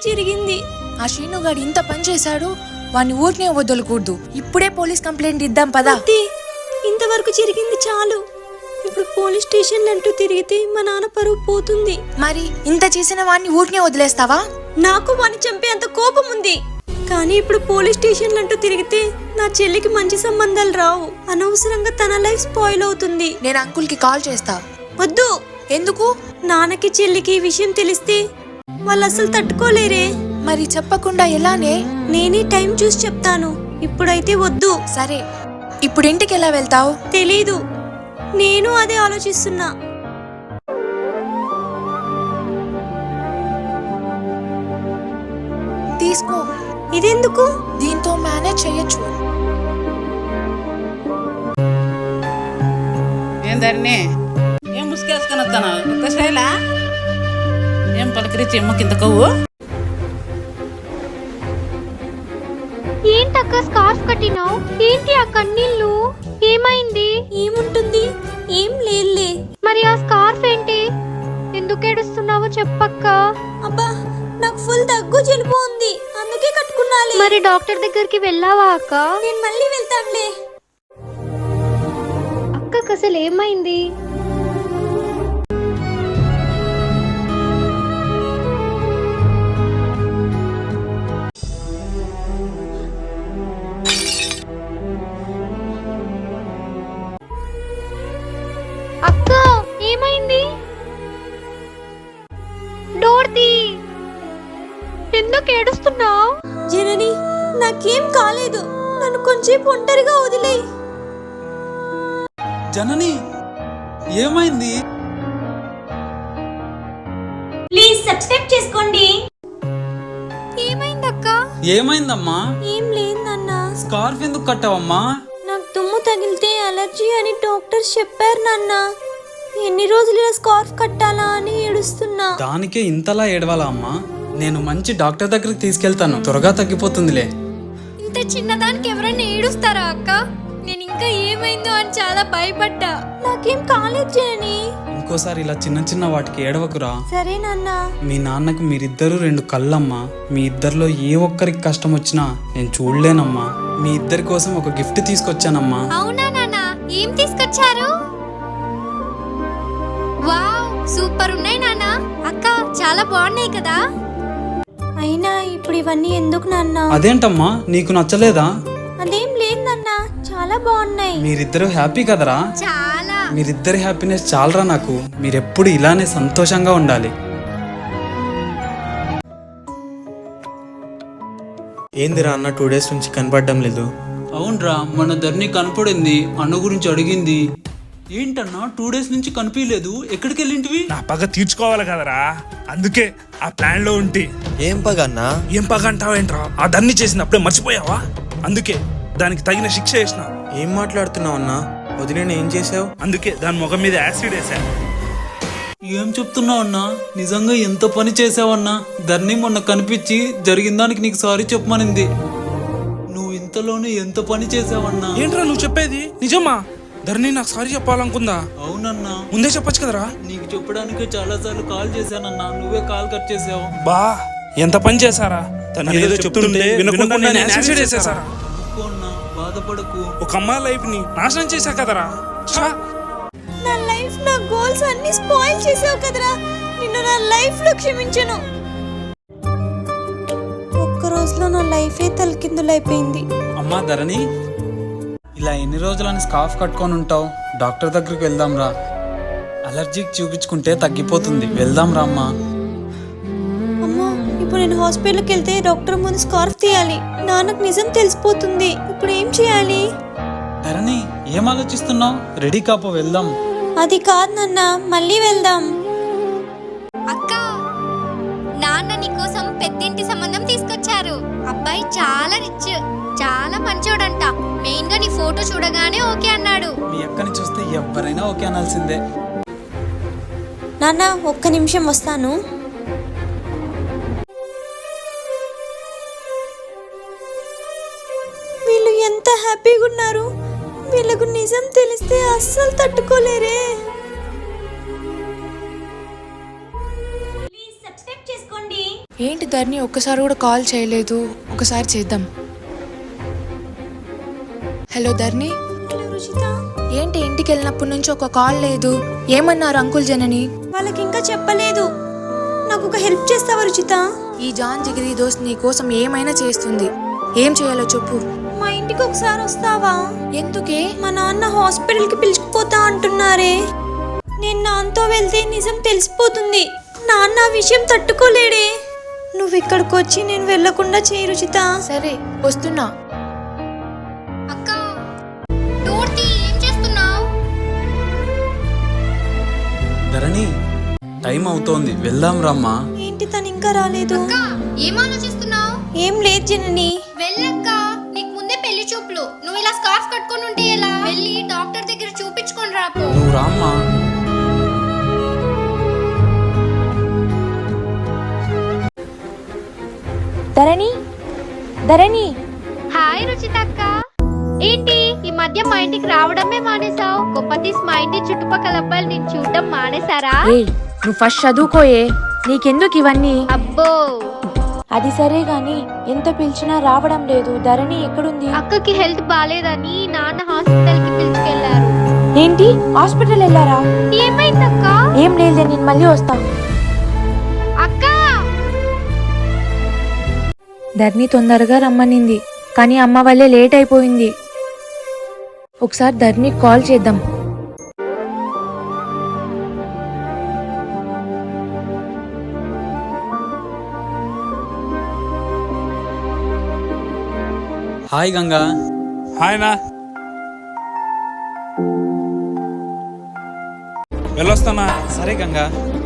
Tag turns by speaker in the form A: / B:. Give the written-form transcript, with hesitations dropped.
A: జరిగింది.
B: ఆ శ్రీనుగాడు ఇంత పని చేశాడు, వాడిని ఊరినే వదలకూడదు. ఇప్పుడే పోలీస్ కంప్లైంట్ ఇద్దాం పదా.
A: ఇంతవరకు జరిగింది చాలు. ఇప్పుడు పోలీస్ స్టేషన్ అంటూ తిరిగితే మా నాన్న పరువు పోతుంది.
B: మరి ఇంత చేసిన వాడిని ఊరినే వదిలేస్తావా?
A: నాకు వాడిని చంపే అంత కోపం ఉంది. కానీ ఇప్పుడు పోలీస్ స్టేషన్ అంటూ తిరిగితే నా చెల్లికి మంచి సంబంధాలు రావు. అనవసరంగా తన లైఫ్ స్పాయిల్ అవుతుంది.
B: నేను అంకుల్ కి కాల్ చేస్తా.
A: వద్దు.
B: ఎందుకు?
A: నాన్నకి చెల్లికి ఈ విషయం తెలిస్తే వాళ్ళు అసలు తట్టుకోలేరే.
B: మరి చెప్పకుండా ఎలానే?
A: నేనే టైం చూసి చెప్తాను. ఇప్పుడైతే వద్దు.
B: సరే, ఇప్పుడు ఇంటికి ఎలా వెళ్తావు?
A: తెలీదు. నేను అదే ఆలోచిస్తున్నా.
B: తీసుకో.
A: ఇదెందుకు?
B: దీంతో మేనేజ్ చెయ్యొచ్చు.
C: ఏందర్ని ఏం ముసుకేసుకొని వస్తాను? ఇంత శైలా ఏం పలకరించి ఎమ్మకింత కొవ్వు?
D: ఏంటక్క స్కార్ఫ్ కట్టినావు? ఏంటి ఆ కన్నీళ్ళు? ఏమైంది?
A: ఏముంటుంది, ఏం లేదులే.
D: మరి ఆ స్కార్ఫ్ ఏంటి? ఎందుకు ఏడుస్తున్నావో చెప్పక్క.
A: అబ్బా, నాకు ఫుల్ దగ్గు జలుబు ఉంది, అందుకే కట్టుకున్నాలే.
D: మరి డాక్టర్ దగ్గరికి వెళ్ళావా అక్క?
A: నేను మళ్ళీ వెళ్తానులే.
D: అక్కకు అసలు ఏమైంది? అక్క ఏమైంది? డోర్ తీ. ఎందుకు ఏడుస్తున్నావు?
A: జనని, నాకేం కాలేదు. నన్ను కొంచెం ఒంటరిగా వదిలేయ్.
E: జనని, ఏమైంది?
A: ప్లీజ్ సబ్స్క్రైబ్ చేసుకోండి.
D: ఏమైందక్క?
E: ఏమైందమ్మా?
A: ఏం లేదు నాన్న.
E: స్కార్ఫ్ ఎందుకు కట్టావమ్మా?
A: నాకు దుమ్ము తగిలితే అలర్జీ అని డాక్టర్స్ చెప్పారు నాన్న. ఎన్ని రోజులు ఇలా స్కార్ఫ్ కట్టాలా అని ఏడుస్తున్నా.
E: దానికే ఇంతలా ఏడవాలా అమ్మా? నేను మంచి డాక్టర్ దగ్గరికి తీసుకెళ్తాను, త్వరగా తగ్గిపోతుందిలే.
D: ఇంత చిన్నదానికి ఎవరైనా ఏడుస్తారా అక్క? నేను ఇంకా ఏమైందో అని చాలా భయపడ్డా.
A: నాకేం కాలేదు జనని.
E: ఇంకోసారి ఇలా చిన్న చిన్న వాటికి ఏడవకురా.
A: సరే నాన్న.
E: మీ నాన్నకు మీరిద్దరూ రెండు కళ్ళమ్మా. మీ ఇద్దరిలో ఏ ఒక్కరికి కష్టం వచ్చినా నేను చూడలేనమ్మా. మీ ఇద్దరి కోసం ఒక గిఫ్ట్ తీసుకొచ్చానమ్మా.
D: అవునా నాన్న? ఏం తీసుకొచ్చారు? వావ్, సూపర్ ఉన్నాయి నాన్న. అక్క చాలా బాగున్నాయి కదా.
A: అయినా ఇప్పుడు ఇవన్నీ ఎందుకు నాన్న?
E: అదేంటమ్మా, నీకు నచ్చలేదా?
A: అదేం లేదు నాన్న, చాలా బాగున్నాయి.
E: మీరిద్దరూ హ్యాపీ కదరా?
D: చాలా.
E: మీరిద్దరి హ్యాపీనెస్ చాలరా నాకు. మీరెప్పుడు ఇలానే సంతోషంగా ఉండాలి.
F: ఏందిరా అన్న 2 days నుంచి కనపడడం లేదు?
E: అవునరా, మన ధరణి కనపడింది, అన్న గురించి అడిగింది. ఏంటన్నా 2 days నుంచి కనిపించలేదు, ఎక్కడికి వెళ్ళింటివి?
G: నా పగ తీర్చుకోవాలి కదరా, అందుకే ఆ ప్లాన్ లో ఉంటి.
F: ఏం పగ అన్నా?
G: ఏం పగ అంటావేంట్రా? ఆ దాన్ని చేసినప్పుడే మర్చిపోయావా? అందుకే దానికి తగిన శిక్ష వేసిన.
F: ఏం మాట్లాడుతున్నావు అన్నా? వదిలేని ఏం చేసావు?
G: అందుకే దాని ముఖం మీద యాసిడ్ వేసా.
E: ఏం చెప్తున్నావు అన్నా? నిజంగా ఎంత పని చేసావన్నా? ధరణి మొన్న కనిపించి జరిగిన దానికి నీకు సారీ చెప్పమనింది. నువ్వు ఇంతలోనే ఎంత పని చేసావన్నా?
G: ఏంట్రా నువ్వు చెప్పేది నిజమా? ధరణి నాకు సారీ చెప్పాలనుకుందా?
E: అవునన్నా.
G: ముందే చెప్పొచ్చు కదరా.
E: నీకు చెప్పడానికి చాలా సార్లు కాల్ చేశానన్నా, నువ్వే కాల్ కట్ చేసావు.
G: బా, ఎంత పని చేశారా? తను ఏదో చెప్తుంటే వినకుండా నేను యాసిడ్ వేసేసారా?
E: బాధపడకు.
G: ఒక అమ్మాయి లైఫ్ ని నాశనం చేశా కదరా.
A: నా లైఫ్, నా గోల్స్ అన్ని స్పాయిల్ చేసావు కదరా. నిన్ను నా లైఫ్ లో క్షమించను. ఒక్క రోజులో నా లైఫే తలకిందులైపోయింది.
E: అమ్మా ధరణి, ఇలా ఎన్ని రోజులని స్కార్ఫ్ కట్టుకొని ఉంటావు? డాక్టర్ దగ్గరికి వెళ్దాం రా. అలర్జీకి చూపించుకుంటే తగ్గిపోతుంది. వెళ్దాం రా అమ్మా.
A: అమ్మో, ఇప్పుడు నేను హాస్పిటల్కి వెళ్తే డాక్టర్ ముందు స్కార్ఫ్ తీయాలి. నాన్నకు నిజం తెలిసిపోతుంది. ఇప్పుడు ఏం చేయాలి?
E: ధరణి, ఏం ఆలోచిస్తున్నావు? రెడీ కాపో, వెళ్దాం.
A: అది కాదు నాన్న, మళ్ళీ వెళ్దాం.
D: అక్క, నాన్న నీకోసం పెద్దింటి సంబంధం తీసుకొచ్చారు. అబ్బాయి చాలా రిచ్, చాలా మంచోడంట. మెయిన్ గా నీ ఫోటో చూడగానే ఓకే అన్నాడు.
E: మీ అక్కని చూస్తే ఎవరైనా ఓకే అనాల్సిందే.
A: నాన్న, ఒక్క నిమిషం వస్తాను. వీళ్ళు ఎంత హ్యాపీగా ఉన్నారు. వీళ్ళకు నిజం తెలిస్తే అస్సలు తట్టుకోలేరే.
B: ఏంటి ధరణి ఒక్కసారి కూడా కాల్ చేయలేదు? ఒకసారి చేద్దాం. Hello Dharani,
A: hello Ruchitha.
B: ఏంటి ఇంటికి వెళ్ళినప్పటి నుంచి ఒక కాల్ లేదు? ఏమన్నారు అంకుల్ జనని?
A: వాళ్ళకి ఇంకా చెప్పలేదు. నాకు ఒక హెల్ప్ చేస్తావా రుచిత?
B: ఈ జాన్ జిగిరి దోస్త్ నీ కోసం ఏమైనా చేస్తుంది. ఏం చేయాలో చెప్పు.
A: మా ఇంటికి ఒకసారి వస్తావా?
B: ఎందుకే?
A: మా నాన్న హాస్పిటల్కి పిలుచుకుపోతా అంటున్నారే. నేను నాన్నతో వెళ్తే నిజం తెలిసిపోతుంది. నాన్న ఆ విషయం తట్టుకోలేడే. నువ్వు ఇక్కడికి వచ్చి నేను వెళ్లకుండా చేయి రుచిత.
B: సరే వస్తున్నా.
D: అక్క డోర్ తీ, ఏం చేస్తున్నావు?
E: ధరణి, టైం అవుతోంది, వెళ్దాం రమ్మా.
A: ఏంటి తను ఇంకా రాలేదు?
D: అక్క ఏం ఆలోచిస్తున్నావు?
A: ఏం లేదు జనని.
D: వెళ్ళక్క, నీకు ముందే పెళ్లి చూపులు. నువ్వు ఇలా స్కార్ఫ్ కట్టుకొని ఉంటే ఎలా? వెళ్ళి డాక్టర్ దగ్గర చూపించుకొని రాపో.
E: నువ్వు రామ్మా.
B: ధరణి, ధరణి.
D: హాయ్ రుచితక్క. ఏంటి ఈ మధ్య మా ఇంటికి రావడమే మానేసావు? గొప్పతీస్ మా ఇంటి చుట్టుపక్కల అబ్బాయిలు నేను చూడడం మానేశారా?
B: ఏయ్, నువ్వు ఫస్ట్ చదువుకోయే, నీకెందుకు ఇవన్నీ?
D: అబ్బో,
B: అది సరే గాని ఎంత పిలిచినా రావడం లేదు. ధరణి ఎక్కడుంది?
D: అక్కకి హెల్త్ బాలేదని నాన్న హాస్పిటల్ కి పిలుచుకెళ్లారు.
B: ఏంటి హాస్పిటల్ వెళ్ళారా?
D: ఏమైందక్క?
B: ఏం లేదు, నేను మళ్ళీ వస్తా.
D: అక్క
B: ధరణి తొందరగా రమ్మనింది, కానీ అమ్మ వల్లే లేట్ అయిపోయింది. ఒకసారి ధరణికి కాల్ చేద్దాం.
E: హాయ్ గంగా.
G: హాయ్ నా, వెళ్ళొస్తానా?
E: సరే గంగా.